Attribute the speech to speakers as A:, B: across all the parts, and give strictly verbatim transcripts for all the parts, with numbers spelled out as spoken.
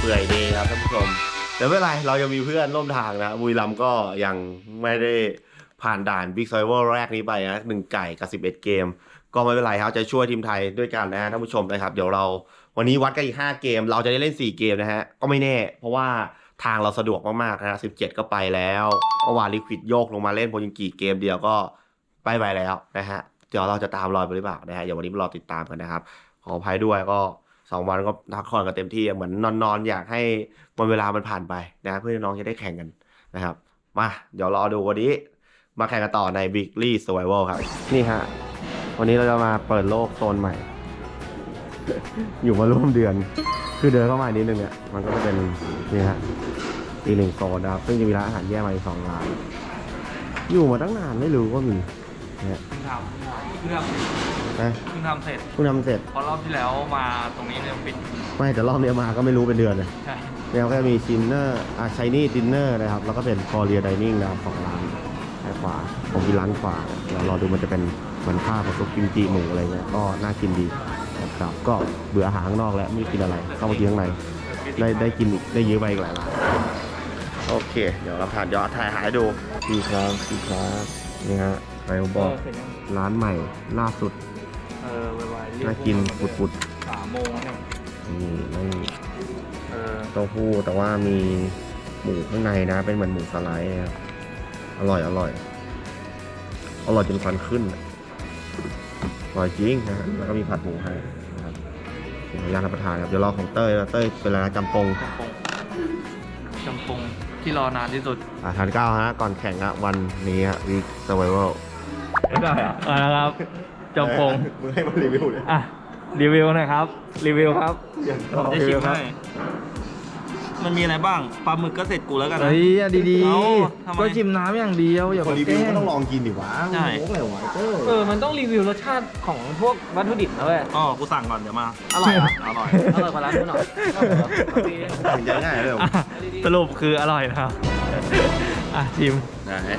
A: ปื่อยดีครับท่านผู้ชมแต่ไม่เป็นไรเรายังมีเพื่อนร่วมทางนะบุรีรัมย์ก็ยังไม่ได้ผ่านด่านบิ๊กไซเวอร์แรกนี้ไปนะหนึ่งไก่กับสิบเอ็ดเกมก็ไม่เป็นไรครับจะช่วยทีมไทยด้วยกันนะฮะท่านผู้ชมนะครับเดี๋ยวเราวันนี้วัดกันอีกห้าเกมเราจะได้เล่นสี่เกมนะฮะก็ไม่แน่เพราะว่าทางเราสะดวกมากๆนะฮะสิบเจ็ดก็ไปแล้วเมื่อวานลิควิดโยกลงมาเล่นโพยิงกีเกมเดียวก็ไปไปแล้วนะฮะเดี๋ยวเราจะตามรอยไปหรือเปล่านะฮะเดี๋ยววันนี้มารอติดตามกันนะครับขออภัยด้วยก็สองวันก็พักผ่อนกันเต็มที่เหมือนนอนๆอยากให้วันเวลามันผ่านไปนะเพื่อน้องจะได้แข่งกันนะครับมาเดี๋ยวรอดูวันนี้มาแข่งกันต่อใน Weekly Survival ครับนี่ฮะวันนี้เราจะมาเปิดโลกโซนใหม่ อยู่มาร่วมเดือนคือเดินเข้ามานิดนึงเนี่ยมันก็จะเป็นนี่ฮะอีกหนึ่งโซนนะครับซึ่งจะมีร้านอาหารแยกมาอีกสองร้านอยู่มาตั้งนานไม่รู้ว่ามีเนี่ย
B: เพิ่งทำเพิ่งทำ
A: นะ
B: เพิ่งทำเสร็จ
A: เพิ่งทำเสร็จ
B: เพราะรอบที่แล้วมาตรงนี้เนี่ยปิด
A: ไม่แต่รอบนี้มาก็ไม่รู้เป็นเดือนเลย
B: ใช่
A: แล้วก็มีชินเนอร์อ่าชายนี่ดินเนอร์นะครับแล้วก็เป็นคอเรียไดนิ่งนะครับสองร้านด้านขวาผมมีร้านขวาเดี๋ยวรอดูมันจะเป็นเหมือนข้าวกับซุปกิมจิหมูอะไรเงี้ยก็น่ากินดีนะครับก็เบื่ออาหารข้างนอกแล้วไม่กินอะไรเข้ามากินข้างในได้ได้กินอีกได้เยอะไปอีกหลายร้านโอเคเดี๋ยวเราผ่านยอดถ่ายหายดูดีครับดีครับนี่ฮะไปบอกร้านใหม่ล่าสุด
B: เออไวๆ
A: น่ากินปุด
B: สามโมงเนี่ย
A: ๆนี่ไม่
B: เออ
A: เต้าหู้แต่ว่ามีหมูข้างในนะเป็นเหมือนหมูสไลด์นะครับอร่อยอร่อยอร่อยจนควันขึ้นอร่อยจริงนะฮะแล้วก็มีผัดหมูให้นะครับขออนุญาตรับประทานครับเดี๋ยวรอของเต้ยนะเต้ยเป็นอะไรนะจำปง
B: จำปงจำปงที่รอนานที่สุด
A: อ่าทานข้าวฮะก่อนแข่งอะวันนี้ฮะวีคเซอร์ไวเวล
B: ได้อะมาแล้วครับจำปง
A: มึงให้มารีวิวเลย
B: อ่ะรีวิวหน่อยครับรีวิวครับ
C: ผมจะชิมให้มันมีอะไรบ้าง ปลาหมึกก็เสร็จกูแล้วกันนะ
B: เฮ้ยอ่ะดี
C: เอ้าทำไม
B: ๆก็ชิมน้ำอย่างเดียวอย่า
A: คน
B: ไป
A: รี
B: แก
A: วิว
B: ล้
A: ก็
B: ง
A: ต้องลองกินดิวะ
C: ใช่
A: โอ้โหอะไรวะเต้ย
B: เออมันต้องรีวิวรสชาติของพวกวัตถุดิบนะเว้ย
C: อ๋อ กูสั่งก่อนเดี๋ยวมา
B: อร่อยอ่ะ
C: อร่อย
B: อร่อยกว่าร้านนู้นหน่อย
A: ถึงจะง่ายเลยเหรอ
B: อ่ะสรุปคืออร่อยนะครับอ่ะชิม
A: นะฮะ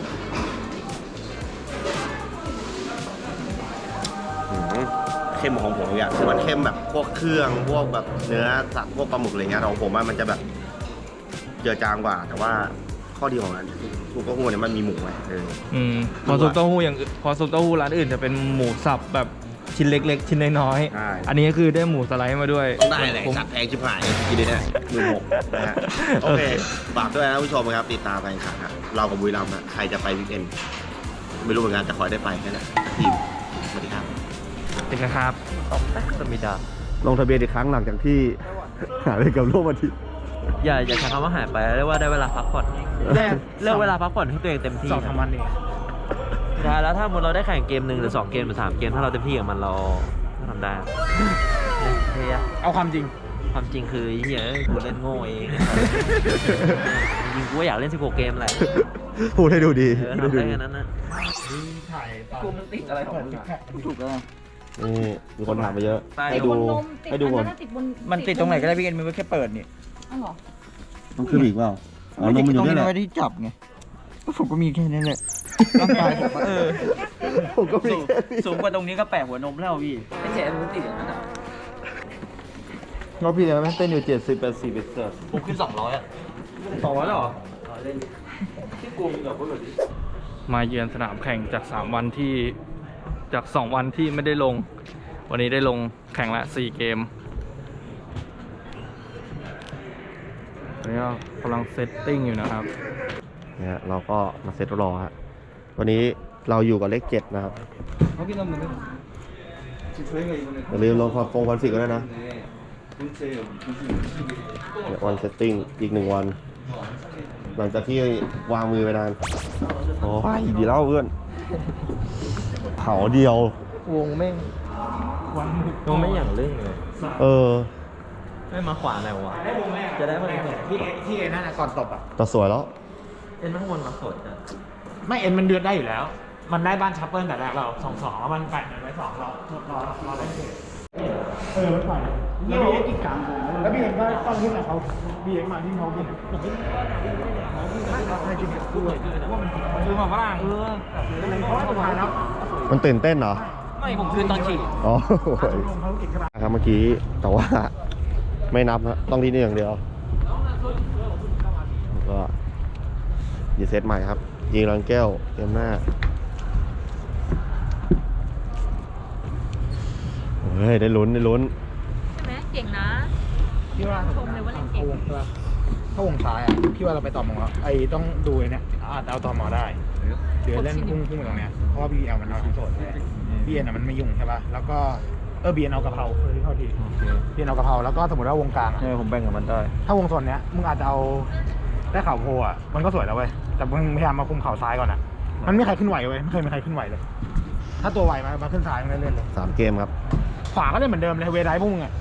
A: อืมเข้มของผมอย่างคือมันเข้มแบบพวกเครื่องพวกแบบเนื้อสัตว์พวกปลาหมึกอะไรเงี้ยของผมว่ามันจะแบบเจือจางกว่า แต่ว่าข้อดีของมันซุปเปอร์ฮู้เนี่ยมันมีหมูไงเออ
B: อืมพอซุปเต้าหู้อย่างอื่นพอซุปเต้าหู้ร้านอื่นจะเป็นหมูสับแบบชิ้นเล็ก ๆ ชิ้นน้อย
A: ใช่
B: ๆอันนี้ก็คือได้หมูสไลด์มาด้วย
A: ต้องได้เลย
B: ผม
A: สัตว์แพงชิบหายกินได้เนี่ยหมื่นหกนะฮะโอเคฝากด้วยนะผู้ชมครับติดตามการแข่งขันครับเรากับบุรีรัมย์นะใครจะไปวิกเอนด์ไม่รู้เหมือนกันจะคอยได้ไปแค่ไหนทีมสวัสดีครับ
B: จริงนะครับตอกแป๊กสมิดา
A: ลงทะเบียนอีกครั้งหลังจากที่ หายไปกับโลกอาทิตย์
D: อย่าอย่าใช้คำว่าหายไปเรียกว่าได้เวลาพักผ่อนเลือกเลือกเวลาพักผ่อนให้ตัวเองเต็มที่
B: สองสามวันเอง
D: สุดท้ายแล้วถ้าสมมติเราได้แข่งเกมหนึ่งหรือสองเกมหรือสามเกมถ้าเราเต็มที่กับมันเราทำได้เฮีย
B: เอาความจริง
D: ความจริงคือเฮียกูเล่นโง่เองจริงๆกูก็อยากเล่นสิบหกเกมแหละ
A: พูดให้ดูดี
D: เออทำได้แค่นั้นนะ
B: ถ่ายกูมันติดอะไรของมึง
C: ถูกแล้ว
A: นี่มีคนถามมาเยอะ
D: ใต้
A: ให้ดู
E: บนนมติด
A: ให้ดู
E: อั
A: ก่อน
E: นั้นติดบน
C: มันติดตรงไหนก็ได้พี่เอ็นมันก็แค่เปิดนี่
E: อ้าวเหรอ
A: ต้องขึ้นอีกเปล่าอ๋อนมมันอยู่ด้วยแหละ
C: ไว้ที่จับไงผมก็มีแค่นั้นแหละร่างกายผมเออ
A: ผมก็มี
D: สูง
A: แค่นี้
D: สูงกว่าตรงนี้ก็แปะหัวนมแล้วพี่
B: ไอ้แฉมันติดอย่างนั้นอ่ะ
C: เราพี่แล้วแม่งเต้นอยู่เจ็ดสิบแปดสิบเอ็ดเสิร์ฟ
D: ผมขึ้นสองร้อยอ่ะ
B: สองร้อยหรอ
D: เล่นที่กลุ่มกับพวกแบบ
B: มาเยือนสนามแข่งจากสามวันที่จากสองวันที่ไม่ได้ลง วันนี้ได้ลงแข่งละสี่เกมตอนนี้ก็กำลังเซตติ้งอยู่นะครับ
A: เนี่ยเราก็มาเซตรอฮะวันนี้เราอยู่กับเลขเจ็ดนะครับอย่าลืมลงคงคอนฟิกกันด้วยนะเนี่ยวันเซตติ้งอีกหนึ่งวัน หลังจากที่วางมือไปนานโอ้ยดีแล้วเพื่อนเผาเดียว
B: วงแม่ง
D: วงไม่อย่างเรื่องเลย
A: เออ
D: ไม่มาขวาอะไรวะจะได้มาเลย
F: ที่ที่เอ็นนั่นนะก่อนตบอ่ะ
A: แต่สวยแล้ว
D: เอ็นข้างบนมาสดอ่ะ
F: ไม่เอ็นมันเดือดได้อยู่แล้ว มันได้บ้านชัปเปิลแต่แรกเราสองสองแล้วมันแปดหนึ่งไว้สองเรารอรอได้เกตเออมันปล่อยแล้วบีเอ็กอีกกลางแล้วบีเอ็กว่าตอนที่ไหนเขาบีเอ็กมาที่เขาบินผมไม่เขาให้จริงๆด้วยว่ามัน
B: คือมาฝรั่ง
F: เออเพราะว่าสุดท้ายแล้ว
A: มันตื่นเต้นเหรอ
B: ไม่ผมคืนตอนฉีด
A: อ๋อ
F: ลงเขาเก่งขนาด
A: ครับเมื่อกี้แต่ว่าไม่นับนะต้องที่นี่อย่างเดียวแล้วก็ยีเซตใหม่ครับยิงรังแก้วเกมหน้าเฮ้ยได้ลุ้นได้ลุ้น
E: ใช่ไหมเก่งนะ
F: พี่ว่า
E: ชมเลยว่าเล่นเก่ง
F: ถ้าวงถ้าวงซ้ายอ่ะพี่ว่าเราไปต่อมอไอ้ต้องดูไอ้เนี่ยอาจจะเอาต่อมอได้เดี๋ยวเล่นพุ่งพุ่งไปตรงเนี้ยเพราะว่าบีเอลมันเอาทั้งโซนเลยบีเอ็นอ่ะมันไม่ยุ่งใช่ป่ะแล้วก็เออบีเอ็นเอากะเพราเออที่เข้าทีบีเอ็นเอากะเพราแล้วก็สมมติว่าวงกลางอะ
C: เออผมแบ่งกับมันได้
F: ถ้าวงโซนเนี้ยมึงอาจจะเอาได้ข่าวโพอ่ะมันก็สวยแล้วเว้ยแต่มึงพยายามมาคุมเข่าซ้ายก่อนอ่ะมันไม่มีใครขึ้นไหวเว้ยไม่เคยมีใครขึ้นไหวเลย ถ้าตัวไหวมามาขึ้นซ้ายมันเล่นเลย
A: สามเกมครับ
F: ขวาก็เล่นเหมือนเดิมเลยเวไดพวกมึงอ่ะ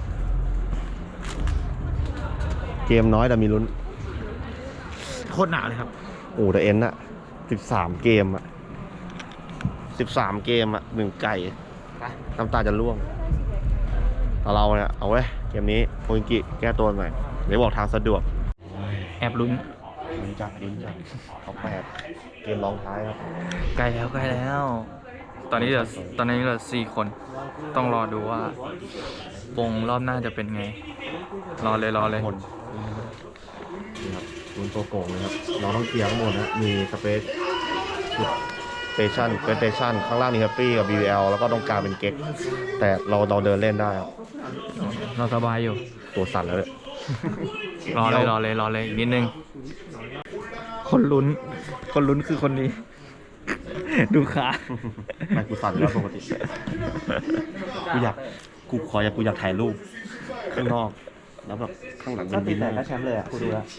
A: เกมน้อยแต่มีลุ้น
F: โคตรหนาเลยครับ
A: โอ้แต่เอ็นอะสิบสามเกมอะสิบสามเกมอะหนึ่งไก่น้ำตาจะร่วงแต่เราเนี่ยเอาไว้เกมนี้โคอิงกิแก้ตัวหน่อยเดี๋ยวบอกทางสะดวก
B: แอบลุ้น
A: ลุ้นจัดลุ้นจัดเขาแปดเกมรองท้ายครับ
B: ใกล้แล้วใกล้แล้ว ตอนนี้เหลือตอนนี้เหลือสี่คน ต้องรอดูว่าวงรอบหน้าจะเป็นไง รอเลยรอเลย
A: คนนี่ครับลุ้นตัวโกงเลยครับเราต้องเคลียร์ข้างบนนะมีสเปซสเตชันเป็นสเตชันข้างล่างนี่แฮปปี้กับ บี วี แอล แล้วก็ตรงกลางเป็นเก็กแต่เราเราเดินเล่นได้ครับ
B: เราสบายอยู่
A: ตัวสั่นแล้วเลย
B: รอเลยรอเลยรอเลยอีกนิดนึง คนลุ้น คนลุ้นคือคนนี้ ดูขา
A: ไม่กูสั่นแล้วปกติ กูอยาก กูขออยากกูอยากถ่ายรูปข้างนอก แล้วแบบข้างหลังเป็นดิน
D: ก็แชมป์เลยอ่ะกูดูแล้ว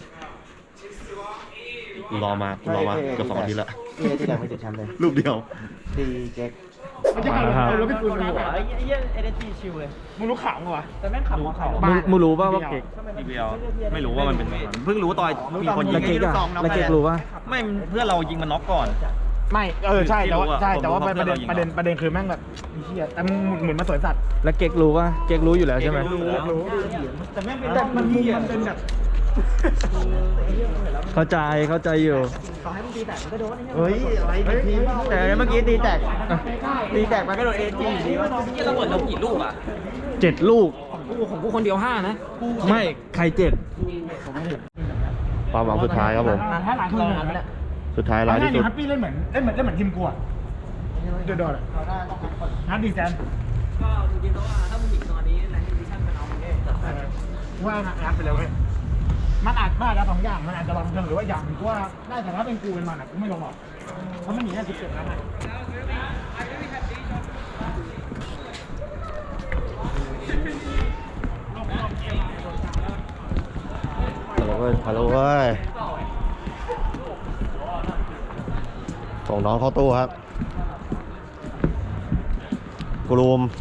A: กูรอมา กูรอมาเกือบสองอาทิตย์ละ
D: ที่ที่แดงไม่ติดแชมป์เลย
A: รูปเดียว
D: ตีเก๊ก
F: มันจะขับรถไปปืนหัว
D: ไอ้เหี้ยเอเนจีชิวเลย
F: มึงรู้ข่าวมั้งวะ
D: แต่แม่งขับของเขา
B: มึงมึงรู้ป่ะว่าเก๊ก
C: อีเดียวไม่รู้ว่ามันเป็นเพิ่งรู้ตอนมีคนยิง
B: แล้วเก๊กอะแล้วเก๊กรู้ป่ะ
C: ไม่เพื่อนเรายิงมันน็อกก่อน
F: ไม่เออใช่แต่ว่า
C: ที่รู้อะ
F: ใช่แต่ว่า
C: ผม
F: ประ
C: รู้
F: เด็น
C: ว่า
F: ประเด็น
C: เพื่อนเรายิง
F: ประเด็นประเด็นคือแม่งแบบไอ้เหี้ยแต่มึงหมุนมาสวยสัตว์
B: แล้วเก๊กรู้ป่ะ เก๊กรู้อยู่แล้วใช่ไหม
C: รู้แล้ว
F: รู้แต่แม่งเป็นแต่มันมุมมันเป็นแบบ
B: เข้าใจเข้าใจอยู่
D: เฮ้ยอะไรทีมแต่เมื่อกี้ตีแตกตีแตกมันก็โดนเอจีอยู่ดีวะ
C: ที่ระเบิดเรากี่ลูกอ่ะ
B: เจ็ดลูก
C: ของกูคนเดียวห้านะ
B: ไม่ใครเจ็ด
A: ความหวังสุดท้ายครับผม
F: นานแค่หลายคนเลยนะ
A: สุดท้ายร้ายที่สุด
F: ฮัปปี้เล่นเหมือนเล่นเหมือนเล่นเหมือนทีมกูอะโดดๆอะฮัปปี้แซนก็จริงๆแล้วว่าถ้ามึงหยิงตอนนี้ในดิชั่นมันเอาเองว่าอัดไปเลยเว้ยมันอาจบ้าแล้วสองอย่างมันอาจจะลองเชิงหรือว่าอย่างกูว่าได้แต่ถ้าเป็นกูเป็นมันอะกูไม่ลงหรอกเพราะมันหนีได้สิบเจ็ดแล้วไง
A: ฮัลโหลเว้ยฮัลโหลเว้ยส่งน้องเข้าตู้ครับกรูม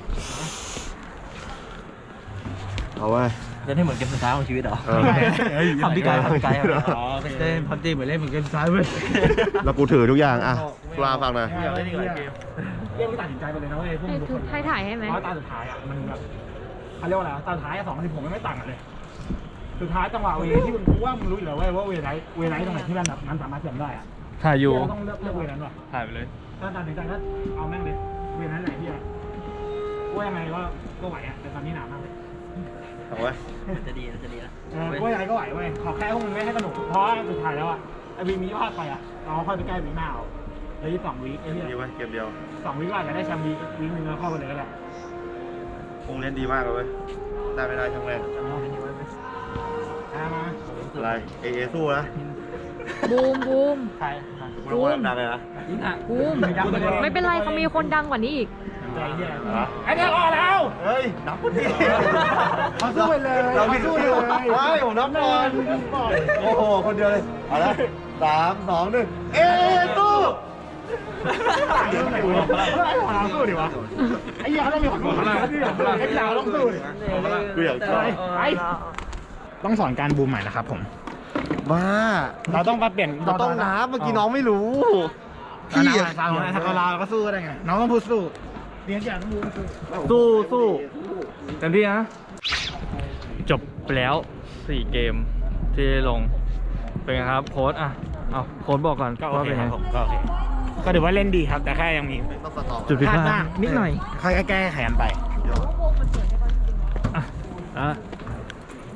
A: เอาไว้
D: จะให้เหมือนเกมสุดท้ายของชีวิตเหรอ
A: เออ
D: ทำพี่กายทำพี่กาย
F: อ๋อเล่นพับจีเหมือนเล่นเหมือนเกมซ้ายเว้ย
A: แล้วกูถือทุกอย่างอ่ะกลาฟังหน่อย
F: เล่นอีกหลายเกมเรียกว่าตัดสินใจไปเลยนะเว้ยพวก
E: ให้
F: มึงทุก
E: ทุ
F: ค
E: ก
F: น
E: ถ่ายถ่ายให้ไหม
F: เพราะตาสุดท้ายอ่ะมันแบบเขาเรียกว่าอะไรตาสุดท้ายสองพันสิบหกมันไม่ต่างกันเลยสุดท้ายจังหวะเวที่มึงรู้ว่ามึงรู้อยู่แล้วเว้ยว่าเวไนท์เวไนท์ตรงไหนที่มันแบบมันสามารถเสียมได้อ่ะ
B: ถ่ายอยู่
F: เราต้องเลือกเลือกเวนั้นว่ะ
B: ถ่ายไปเลย
F: ถ้าตัดสินใจก็เอาแม่งเลยเวนั้นไหนที่อะว่ายังไงก็ก็ไหวอ่ะแต่ตอนนี้หนามากเลย
A: เอาไว้
D: จะดีจะดีนะ
F: เออว่ายังไงก็ไหวเว้ยขอแค่พวกมึงไม่ให้สนุกเพราะว่าสุดท้ายแล้วอ่ะไอ้วีมีพลาดไปอ่ะเราค่อยไปแก้วีหน้าเอาเลยที่สองวีไอ้เนี่ย
A: ดีไว้เกมเดียว
F: สองวีก็อาจจะได้แชมป์วีวีหนึ่งแล้วเข้าไปเลยก็ได้
A: คงเล่นดีมากเลยเว้ยได้ไม่ได้ช่างแม่ง
F: อ่ามา
A: อะไรเอเอสู้นะ
E: บูมบูม
F: ใคร
A: กูต้องว่าดังเลยนะ
E: บูมไม่เป็นไรเขามีคนดังกว่านี้อีก
F: ใจเหี้ยไอ้เนี่ยรอแล้ว
A: เฮ้ยนับกูดิ
F: เขาสู้ไปเลย
A: เรา
F: เขา
A: ผิด
F: สู้
A: สู้
F: เลย
A: ไม่ผมนับก่อนโอ้โหคนเดียวเลยเอาละสามสองหนึ่งเอสู้
F: ไอ้หัวเราสู้ดิวะไอ้เหี้ยเขาต้องมีคนสู้นะไอ้ยาวต้องสู้ดิ
A: กูอยากชอบ
F: ไปต้องสอนการบูมใหม่นะครับผม
A: บ้า
F: เราต้องมาเปลี่ยน
A: เราต้องนับเมื่อกี้น้องไม่รู้
F: พี่
A: พี่
F: อะ
A: อะ
F: ทางทางเราก็สู้ได้ไงน้องต้องพูดสู้เรียนจากต้องบูมสู้
B: สู้สู้เต็มที่นะ จบไปแล้วสี่เกมที่ลง เป็นไงครับโค้ดอ่ะ เอาโค้ดบอกก่อน
F: ก็โอ
B: ว่า
F: เค
B: เป็น
F: ค
B: ไง
F: รับผมก็โอเคก็ถือว่าเล่นดีครับ แต่แค่ยังมี
A: ต้องตัดต่อ
B: จุดผิดพลาด
F: บ้าง
B: นิดหน่อย
F: ค่อยแก้ไขกันไป
B: อ่ะอ่ะ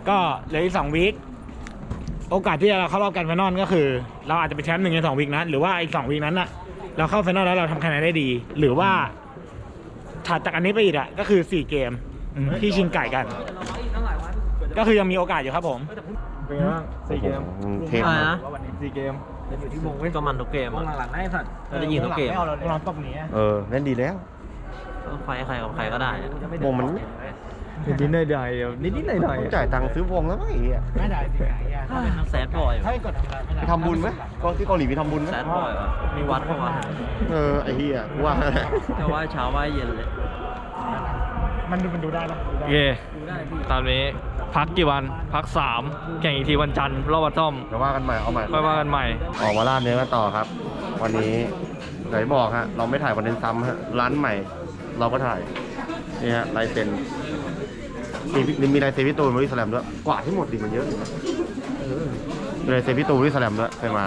F: ก็เหลืออีกสองวีคโอกาสที่เราเข้ารอบกันไฟนอลก็คือ เราอาจจะเป็นแชมป์หนึ่งในสองวีคนั้นหรือว่าอีกสองวีคนั้นน่ะเราเข้าไฟนอลแล้วเราทำคะแนนได้ดี หรือว่าถัดจากอันนี้ไปอีกอ่ะก็คือสี่เกมที่ชิงไก่กัน ก็คือยังมีโอกาสอยู่ครับผมเป็นไงบ้างสี่เกม
A: เทพ
D: อะไรนะ
F: สี่เกม
D: ก็มันทุกเกมหลังๆได้สัตว์ก็ได้ยิงทุกเกม
F: เราตบนี้
A: เออเล่นดีแล้ว
D: ไฟใครกับใครก็ได้อะ
A: วงมัน
B: นิดๆหน่อยๆนิดๆหน่อย
A: ต้องจ่ายตังค์ซื้อวงแล้วมั้งไอ้เหี้ย
F: ไม่ได้จริงไง
D: ถ้าเป็นแซดบอย
F: ถ้ากด
A: ไปทำบุญไหมก็ที่เกาหลีมีทำบุญไหม
D: แซดบอยวะมีวัดเข้ามา
A: เออไอ้เหี้ยกูว่า
D: จะไหว้เช้าไหว้เย็นเลย
F: มันดูมันดูได้ปะ
B: ๆโอเคตามนี้พักกี่วันพักสามแข่งอีกทีวันจันทร์รอบวัดซ่อม
A: เดี๋ยวว่ากันใหม่เอาใหม่
B: ค่อยว่ากันใหม่
A: ออกมาล่าเนื้อกันต่อครับ วันนี้ไหนบอกฮะเราไม่ถ่ายคอนเทนต์ซ้ำฮะร้านใหม่ เราก็ถ่ายนี่ฮะลายเซ็นมีมีลายเซ็นพี่ตูนบริสแลมด้วยกว่าที่หมดดิมันเยอะมีลายเซ็นพี่ตูนบริสแลมด้วยเคยมา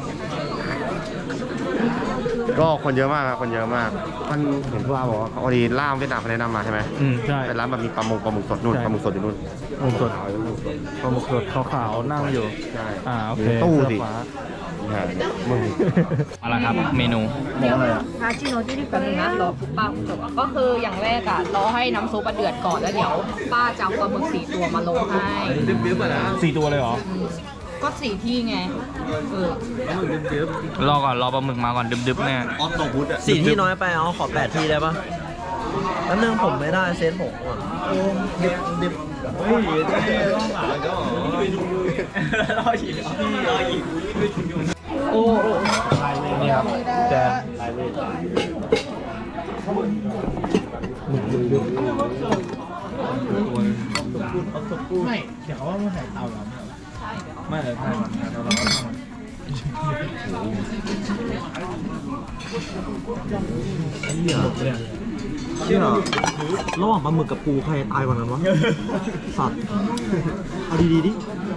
A: ก็คนเยอะมากครับคนเยอะมากมันเห็นว่าบอกว่าพอดีล่ามเวียดนามเขาแนะนำมาใช่ไหม
B: อืมใช่
A: เป็นร้านแบบมีปลาหมึกปลาหมึกสดนู่น
B: ใช่
A: ปลาหมึกสดอยู่นู่น
B: ปลาหมึกสดปลาหมึกสดขาวๆนั่งอยู่
A: ใช่
B: อ่าโอเค
A: ตู้
B: เสื้อ
A: สิ
B: ฟ้า
A: ใช่มึง
B: เอาละครับเมนู
A: มองอะไรอ่ะ
E: คาชิโนที่เป็นนะรอป้าจบก็คืออย่างแรกอ่ะรอให้น้ำซุปเดือดก่อนแล้วเดี๋ยวป้าจะเอาปลาหมึกสี่ตัวมาลงให้
F: สี่ตัวเลยเหรอ
E: ก็สี่ที่ไงเออ
B: รอก่อนรอปลาหมึกมาก่อนดึบๆแน่
A: ออฟโตพุทอ่ะ
D: สี่ที่น้อยไปเอาขอแปดที่ได้ปะแล้วนึงผมไม่ได้เซนผมก่อน
F: นี่ครับแจนไม่เดี๋ยวเขาว่ามันใส่เตาเหรอไม่เลยถ่ายมันถ่ายเราเราก็ทำมันเหี้ยเนี่ย
D: เชื่อระหว่างปลาหมึกกับปูใครตายกว่านั้นวะ สัตว์ เอาดีๆดิ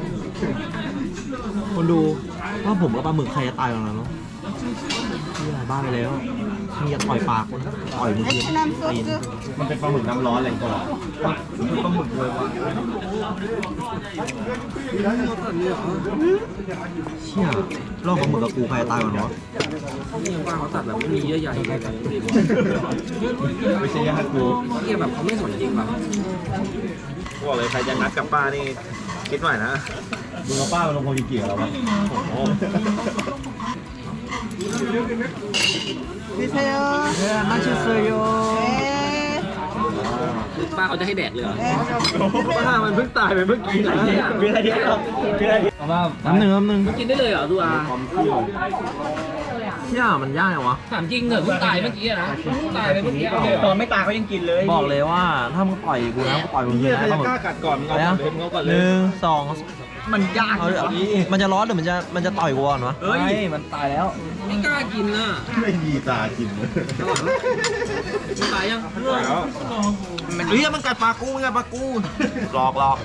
D: คนดูว่าผมกับปลาหมึกใครจะตายกว่านั้นวะนี่หลายบ้านไปแล้วมีอย่าต่อยปากคนต่อยมือตีน
A: มันเป็นปลาหมึกน้ำร้อนอะไรก่อน
D: เชี่ยรอบปลาหมึกกับปูใครจะตายกว่านั้นวะ
A: ไม่ใช่ญาติกู
C: บอกเลยใครจะนัดกับป้านี่คิดหน่อยนะ
A: มึงเอาป้ามาลงโคจิกิกับเราปะ
D: มาชิเซโย
C: ป้าเขาจะให้แดกเลยเหรอป้ามันเพิ่งตายไปเมื่อกี้นะมีอะไรเดียวมีอะไรเดียว
D: น้ำหนึ่งน้ำหนึ่ง
C: กินได้เลยเหรอดูอา
D: เชี่ยมันยากเหรอวะ
C: ถามจริงเหรอเพิ่งตายเมื่อกี้นะตายไปเมื่อกี้ตอนไม่ตายเขายังกินเลย
D: บอกเลยว่าถ้ามึงต่อยกูนะกูต่อยมึงเลยนะปลาหมึก
C: กล้ากัดก่อนมึงเอาก่อนเลยมึงเอาก่อนเล
D: ห
C: ย
D: นึ่งสอง
C: มันยาก
D: เอาเอามันจะร้อนหรือมันจะมันจะต่อยกูก่อนวะ
C: เฮ้ยมันตายแล้วไม่กล้ากินน่ะ
A: ไม่มีตากินเลย
C: ตายยัง
D: เฮ้ยมันกัดปลากูมันกัดปลากู
A: หลอกหลอก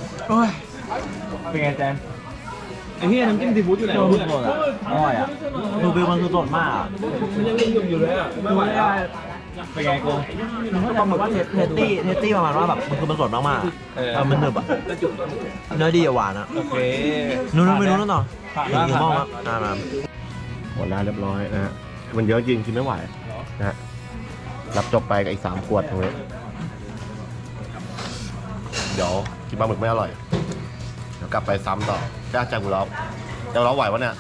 F: เป็นไงแจน
C: ไอ้เหี้ยน้ำจิ้มซีฟู้ดอยู่ไหนวะเพื่อน
D: สดอ่ะอร่อยอ่ะดูวิวมันคือสดมากอะ
C: มันยังยุ่งอยู่เลยอ่ะไม่ไหวแล้ว
F: เป็นไงกู
D: ปลาหมึกเทเทสตี้เทสตี้ประมาณว่าแบบมันคือมันสดมากๆอะเออมันหนึบอ่ะเนื้อดีอะหวานอ่ะ
F: โอเค
D: นู้นๆไปนู้นๆต่อ
F: ผ่าน
D: อีก
F: แล้ว
D: หนึ่งหม้อ
F: ผ่าน
D: ครับอ่ามา
A: หมดแล้วเรียบร้อยนะฮะมันเยอะจริงกินไม่ไหวนะฮะรับจบไปกับอีกสามขวดตรงนี้เดี๋ยวกินปลาหมึกไม่อร่อย เดี๋ยวกลับไปซ้ำต่อจ้าจังกูร้องจะร้องไหววะเนี่ย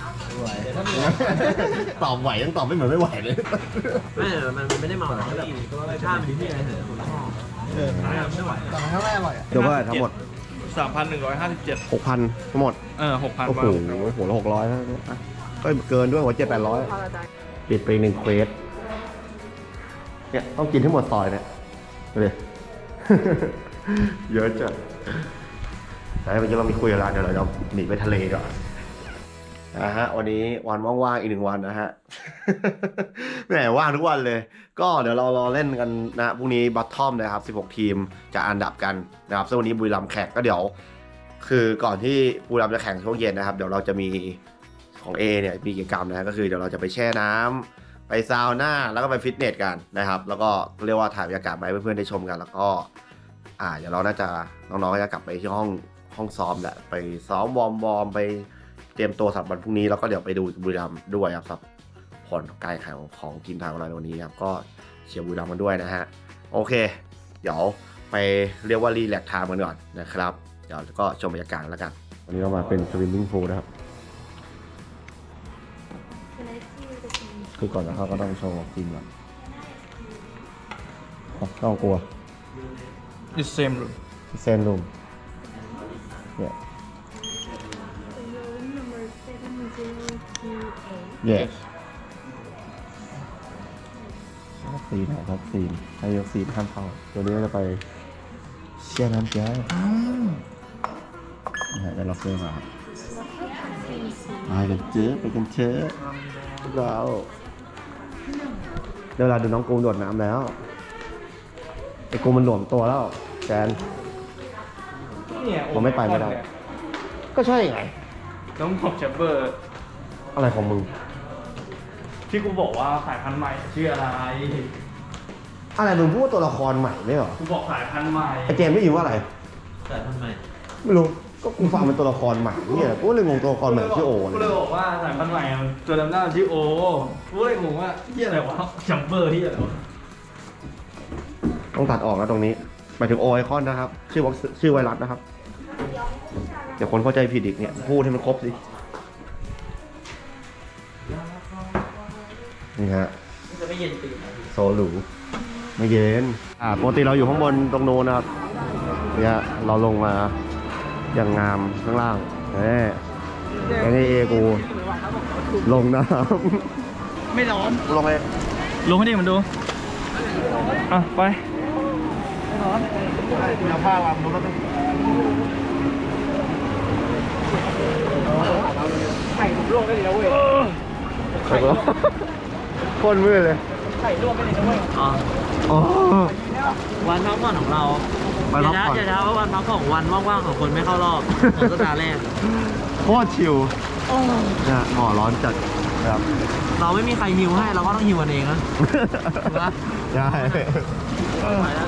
A: ตอบไหวยังตอบไม่เหมือนไม่ไหวเลย
D: ไม่มันไม่ได้เมาหรอกแบบชาติมันดีที่ไหนเหรอคนละห้อเออไม่ไหว
A: เดี๋ยวว่าทั้งหมด
B: สามพันหนึ่งร้อยห้าสิบเจ็ด
A: หกพันทั้งหมด
B: เออหกพัน
A: โอ้โหหัวละหกร้อยนะอ่ะก็เกินด้วยหัวเจ็ดแปดร้อยปิดไปอีกหนึ่งเควสเนี่ยต้องกินให้หมดซอยเนี่ยดูดิ เยอะจัดแต่เมื่อกี้เรามีคุยกันแล้วเดี๋ยวเราจะหนีไปทะเลก่อนนะฮะวันนี้วันว่างๆอีกหนึ่งวันนะฮะ แหมว่างทุกวันเลย ก็เดี๋ยวเรารอเล่นกันนะพรุ่งนี้บัตทอมนะครับสิบหกทีมจะอันดับกันนะครับซึ่งวันนี้บุรีรัมย์แข่งก็เดี๋ยว คือก่อนที่บุรีรัมย์จะแข่งช่วงเย็นนะครับเดี๋ยวเราจะมีของ A เนี่ยมีกิจกรรมนะก็คือเดี๋ยวเราจะไปแช่น้ำไปซาวน่าแล้วก็ไปฟิตเนสกันนะครับแล้วก็เรียกว่าถ่ายบรรยากาศมาให้เพื่อนๆได้ชมกัน แล้วก็อ่าเดี๋ยวเราน่าจะน้องๆก็จะกลับไปที่ห้องห้องซ้อมแหละไปซ้อมวอร์มวอร์มไปเตรียมตัวสำหรับวันพรุ่งนี้แล้วก็เดี๋ยวไปดูบุรีรัมย์ด้วยครับสำหรับผลการแข่งของทีมไทยของเราในวันนี้ครับก็เชียร์บุรีรัมย์กันด้วยนะฮะโอเคเดี๋ยวไปเรียกว่ารีแลกซ์ไทม์กันก่อนนะครับเดี๋ยวก็ชมบรรยากาศแล้วกันวันนี้เรามาเป็นสวิมมิ่งพูลนะครับคือก่อนจะเข้าก็ต้องโชว์ทีมก่อนต้องกลัว
B: the same room
A: same room yeah yes วัคซีนนะครับวัคซีนให้วัคซีนห้ามเข้าตัวนี้ก็จะไปเชียร์น้ำแก้วนะฮะได้ล็อกเกอร์มาครับไปกันเจอไปกันเชอพวกเราเดี๋ยวเวลาดูน้องกูมโดดน้ำแล้วไอ้กูมันหลวมตัวแล้วแกนผมไม่ไปไม่ได้ก็ใช่ไง
B: น้องผมแชมเบอร์
A: อะไรของมึง
B: ที่กูบอกว่าสายพันธุ์ใหม่ชื่ออะไร
A: อะไรมึงพูดว่าตัวละครใหม่ไม่เหรอ
B: กูบอกสายพันธุ์ใหม่
A: ไอเจมส์ไม่อยู่ว่าอะไร
D: แต่ทำไม
A: ไม่รู้ก็กูฟังเป็นตัวละครใหม่เนี่ยกูเลยงงตัวละครใหม่ชื่อโอ
B: กู
A: เนี่
B: เลย
A: ย
B: บอกว่าสายพันธุ์ใหม่ตัวดำหน้าชื่อโอกูเลยงงว่าเฮียอะไรวะแชมเบอร์เฮียอะไรวะ
A: ต้องตัดออกนะตรงนี้หมายถึงโอไอคอนนะครับชื่อวัคชื่อไวรัสนะครับเดี๋ยวคนเข้าใจผิดอีกเนี่ยพูดให้มันครบสินี่ฮะ
D: จะไม่เย็นตีน
A: โซลูไม่เย็นอ่าปกติเราอยู่ข้างบนตรงโน้นนะครับเนี่ยเราลงมาอย่างงามข้างล่างเอ้ยไอ้นี่เอกูลงน้ำไม่ร้อนลงเลย
B: ลงให้ดิมันดูอ่ะไป
A: เอาผ้าวางดูแล้วกันไข่ลวกได้เลยนะเว้ยคนมืดเลย
D: อ๋อ
A: อ๋อ
D: วันพักผ่อนของเรา
A: วันพักผ่อน
D: อย่าช้าว่าวันพักผ่อนของวันว่างๆของคนไม่เข้ารอบของสัปดาห์แรก
A: โคตรชิลนะหมอร้อนจัดครับ
D: เราไม่มีใครฮิวให้เราก็ต้องฮิวกันเองนะถูกปะ
A: ได้
D: ไปแล้ว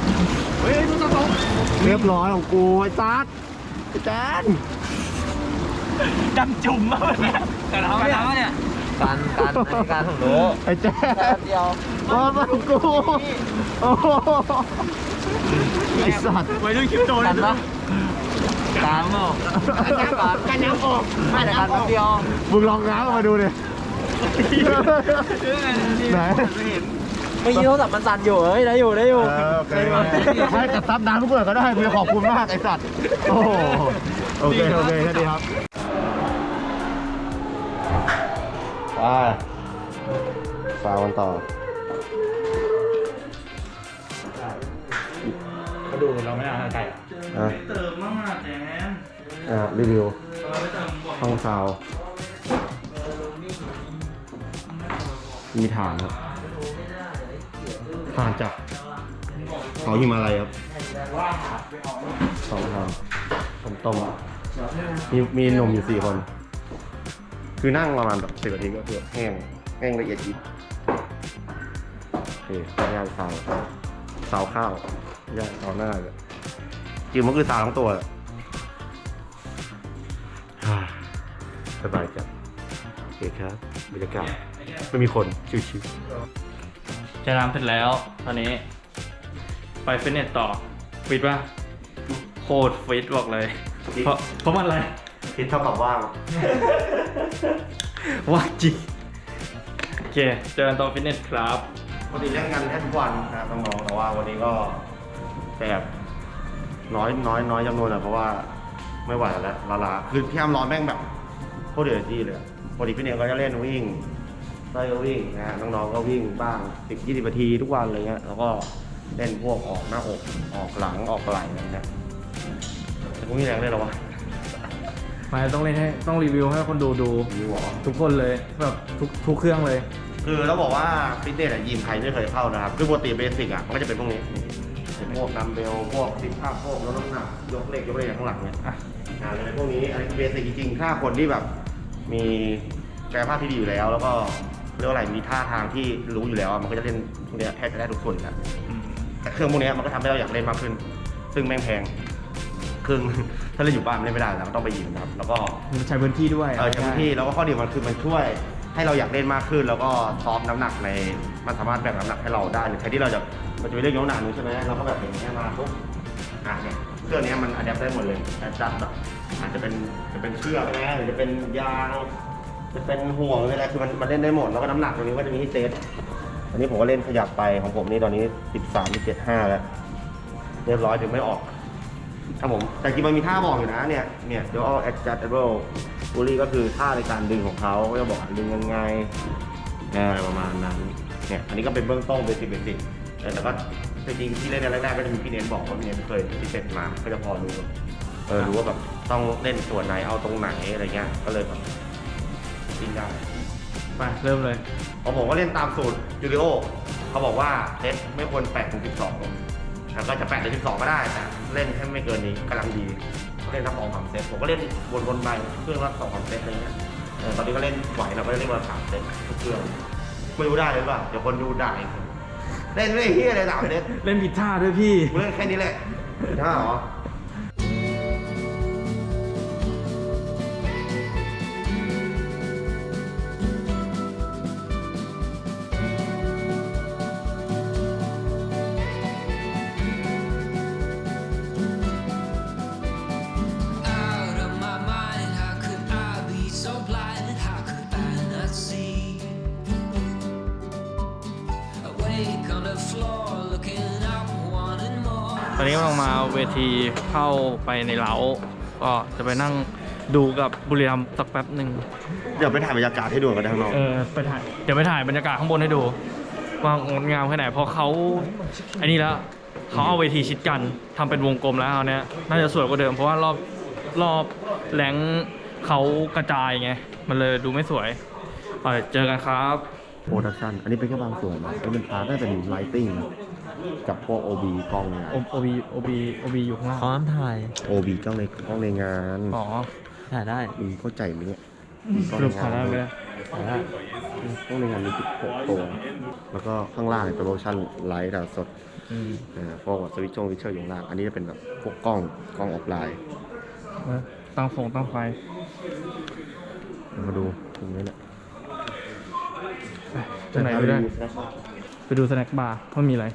A: เรียบร้อยของกูไอ้ซัดไอ้แจน
B: ดำจุ่มมากเนี่ยแต่เราไม่ทำเนี่ย
D: การการการของรู้
A: ไอ้แจน
D: แป๊บเดียว
A: โอ้ของกูโอ้โหไอ้สัตว์
B: ไว้ด้วยคลิปโต
D: กั
B: นะ
D: นปะการเปล่าการน้ำออกไม่แต่การแป๊บเดียว
A: มึงลองง้างออกมาดูดิไหน
D: เมื่อกี้โทรศัพท์มันสั่นอยู่เฮ้ยได้อยู่ได้อยู่
A: เออโอเคให้แต่ซับน้ำทุกเบื่อก็ได้กูขอบคุณมากไอ้สัตว์โอ้โหโอเคโอเคแค่นี้ครับไปฟาวกันต่อ
F: เขาดูเราไม่เอาไก่
A: อ่ะ
B: เติมมากแจน
A: อ่ะรีวิว
B: เราไปเติมบ่อย
A: ห้องซาวมีฐานครับฐานจากเขาหิมาลัยครับสองทางต้มต้มมีมีหนุ่มอยู่สี่คน คือนั่งประมาณแบบสิบนาทีก็คือแห้งแห้งละเอียดยิบโอเคย่างซาวซาวข้าวย่างซาวหน้าเลยจริงมันคือซาวทั้งตัวเลยสบายจังโอเคครับบรรยากาศไม่มีคนชิว
B: จะน้ำเสร็จแล้วตอนนี้ ไปฟิตเนสต่อฟิตป่ะโคตรฟิตบอกเลย เพราะเพราะมันอะไร
A: ๆคิดเท่ากับว่าง
B: ว่าจริงโอเคเจอกันตอนฟิตเนสครับ
A: ปกติเล่นกันแค่ทุกวันนะครับน้องๆแต่ว่าวันนี้ก็แบบน้อยน้อยน้อยจำนวนอะเพราะว่าไม่ไหวแล้วลาลาคือพี่อ้ำร้อนแม่งแบบโคตรเดือดที่เลยปกติพี่เนยก็จะเล่นวิ่งไส้ก็วิ่งนะฮะน้องๆก็วิ่งบ้างสิบยี่สิบนาทีทุกวันอะไรเงี้ยแล้วก็เล่นพวกออกหน้าอกออกหลังออกไหล่อะไรเงี้ยแต่กูมีแรงเลยเหรอวะ
B: ไม่ต้องเล่นให้ต้องรีวิวให้คนดูดู
A: มีหวอ
B: ทุกคนเลยแบบทุกทุกเครื่องเลย
A: คือต้องบอกว่าฟิตเนสอะยิมไทยไม่เคยเข้านะครับคือปกติเบสิกอะมันก็จะเป็นพวกนี้เป็นพวกดัมเบลพวกซิทอัพพวกลดน้ำหนักยกเหล็กยกอะไรอย่างข้างหลังเนี่ย
B: อ่ะ
A: งานอะไรพวกนี้อันนี้เบสิกจริงๆถ้าคนที่แบบมีกายภาพที่ดีอยู่แล้ว แล้วก็เรียกว่าอะไรมีท่าทางที่รู้อยู่แล้วอะมันก็จะเล่นพวกเนี้ยแทบจะได้ทุกส่วนอยู่แล้ว
B: อืม
A: แต่เครื่องพวกเนี้ยมันก็ทำให้เราอยากเล่นมากขึ้นซึ่งแม่งแพงครึ่ง ถ้าเราอยู่บ้านเล่นไม่ได้เราต้องไปยิมนะครับแล้วก็
F: ใช้พื้นที่ด้วย
A: เออใช้พื้นที่แล้วก็ข้อดีมันคือมันช่วยให้เราอยากเล่นมากขึ้น แล้วก็ซ้อมน้ำหนักในมันสามารถแบ่งน้ำหนักให้เราได้หรือใครที่เราจะมันจะไปเล่นยกน้ำหนักนู้นใช่ไหมเราก็แบบอย่างนี้ยมาปุ๊บอ่ะเนี่ยเครื่องนี้มันอัดแอปได้หมดเลยแอดจัดแบบอาจจะเป็นจะเป็นเชือกนะหรือจะเป็นยางจะเป็นห่วงหรืออะไรคือมันมันเล่นได้หมดแล้วก็น้ำหนักตรงนี้ก็จะมีให้เซตอันนี้ผมก็เล่นขยับไปของผมนี่ตอนนี้สิบสามสิบเจ็ดห้าแล้วเรียบร้อยถึงไม่ออกครับผมแต่จริงมันมีท่าบอกอยู่นะเนี่ยเนี่ยเดี๋ยวเอา adjustable pulley ก็คือท่าในการดึงของเขาก็จะบอกดึงยังไงอะไรประมาณนั้นเนี่ยอันนี้ก็เป็นเบื้องต้นเบสิกเบสิกแต่ก็จริงๆที่เล่นในแรกๆก็จะมีพี่เน้นบอกว่าพี่เน้นเคยพิเศษมาก็จะพอรู้เออรู้ว่าแบบต้องเล่นส่วนไหนเอาตรงไหนอะไรเงี้ยก็เลยแบบวิ่งได้
B: ไปเริ่มเลย
A: ของผมก็เล่นตามสูตรยูริโอเขาบอกว่าเซตไม่ควรแปดถึงสิบสองแล้วก็จะแปดถึงสิบสองก็ได้แต่เล่นให้ไม่เกินนี้กำลังดีเล่นทั้งสองสามเซตผมก็เล่นวนๆไปเครื่องละสองสามเซตอะไรเงี้ยเออตอนนี้ก็เล่นไหวเราก็เล่นวันละสามเซตทุกเครื่องไม่รู้ได้หรือเปล่าเดี๋ยวคนดูด่าอีกเล่นไม่ได้เฮียอะไรสามเซต
F: เล่นผิดท่าด้วยพี่
A: กูเล่นแค่นี้แหละท่าเหรอ
G: Out of my mind, how could I be so blind? How could I not see? Awake on the floor, looking up, wanting more.
B: ตอนนี้กำลังมาเวทีเข้าไปในเล้าก็จะไปนั่งดูกับบุรีรัมย์สักแป๊บหนึ่ง
A: เดี๋ยวไปถ่ายบรรยากาศให้ดูกันข้างนอก
B: เออไปถ่ายเดี๋ยวไปถ่ายบรรยากาศข้างบนให้ดูว่างดงามแค่ไหนเพราะเขาไอ้นี่แล้วเขาเอาเวทีชิดกันทำเป็นวงกลมแล้วเอาเนี้ยน่าจะสวยกว่าเดิมเพราะว่ารอบรอบแหลงเขากระจายไงมันเลยดูไม่สวยไปเจอกันครับ
A: โปรดักชั่นอันนี้เป็นแค่บางส่วนนะแล้วเป็นพาร์ทน่าจะเป็นไลติ้งกับพวก โอ บี กล้องเนี่ย
B: โอบีโอบีโอบีอยู่ข้างล่าง
D: พร้อมถ่าย
A: โอ บี กล้องในกล้องในงาน
B: อ๋อ
D: ถ่ายได้
A: มึงเข้าใจไหมเนี่ย
B: สรุปถ่ายได้ไหมเนี่ย
D: ถ่ายได้
A: กล้องในงานมีสิบหกตัว แล้วก็ข้างล่างเป็นโปรดักชั่นไลท์ถ่ายสด
B: อืม
A: นะพวกสวิตช์ชงวิชเชอร์อยู่ข้างล่างอันนี้จะเป็นแบบพวกกล้องกล้องออฟไลน์
B: เออตั้งฟงตั้งไฟ
A: มาดูตรงนี้แหละ
B: ไปตรงไหนไปได้ไปดูสแน็คบาร์ว่ามีอะไร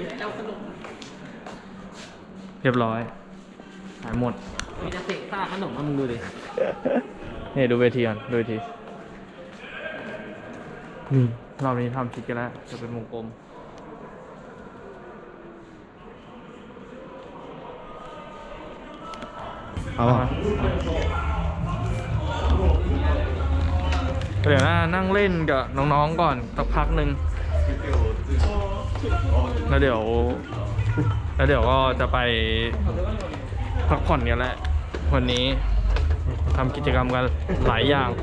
B: เรียบร้อย หายหมด
D: มีแต่เศษซากขนมมึงดูดิ
B: นี่ดูเวทีก่อนดูเวทีนี่รอบนี้ทำชิดกันแล้ว จะเป็นวงกลม
A: เอาอ่ะ
B: เดี๋ยวนะนั่งเล่นกับน้องๆก่อนสักพักหนึ่งแล้วเดี๋ยว แล้วเดี๋ยวก็จะไปพักผ่อนกันแหละวันนี้ทำกิจกรรมกันหลายอย่าง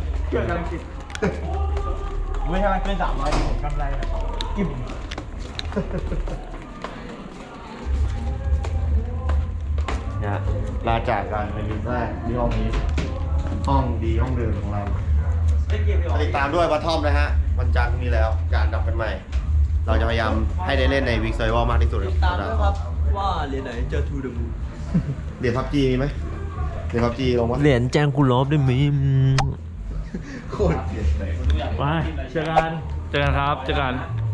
F: ไม่ใช่เป็นสามร้อยผมกำไรอิ่ม
A: เนี่ยลาจากกันเป็นวีคแรกที่ห้องนี้ห้องดีห้องเดิมของเราติดตามด้วยวัททอมนะฮะวันจันทร์มีแล้วการดับกันใหม่ เราจะพยายามให้ได้เล่นในวิกเซอร์วอลมากที่สุด
D: ตามด้วยครับว่าเหรียญไหนเจอทูเดอะมูน
A: เหรียญพับจีมีไหมเหรียญพับจีลงวะ
D: เหรียญแจงกูลอบได้ไหม
A: โคตรเสียใจ
B: ไปเจอกัน เจอกันครับ เจอกัน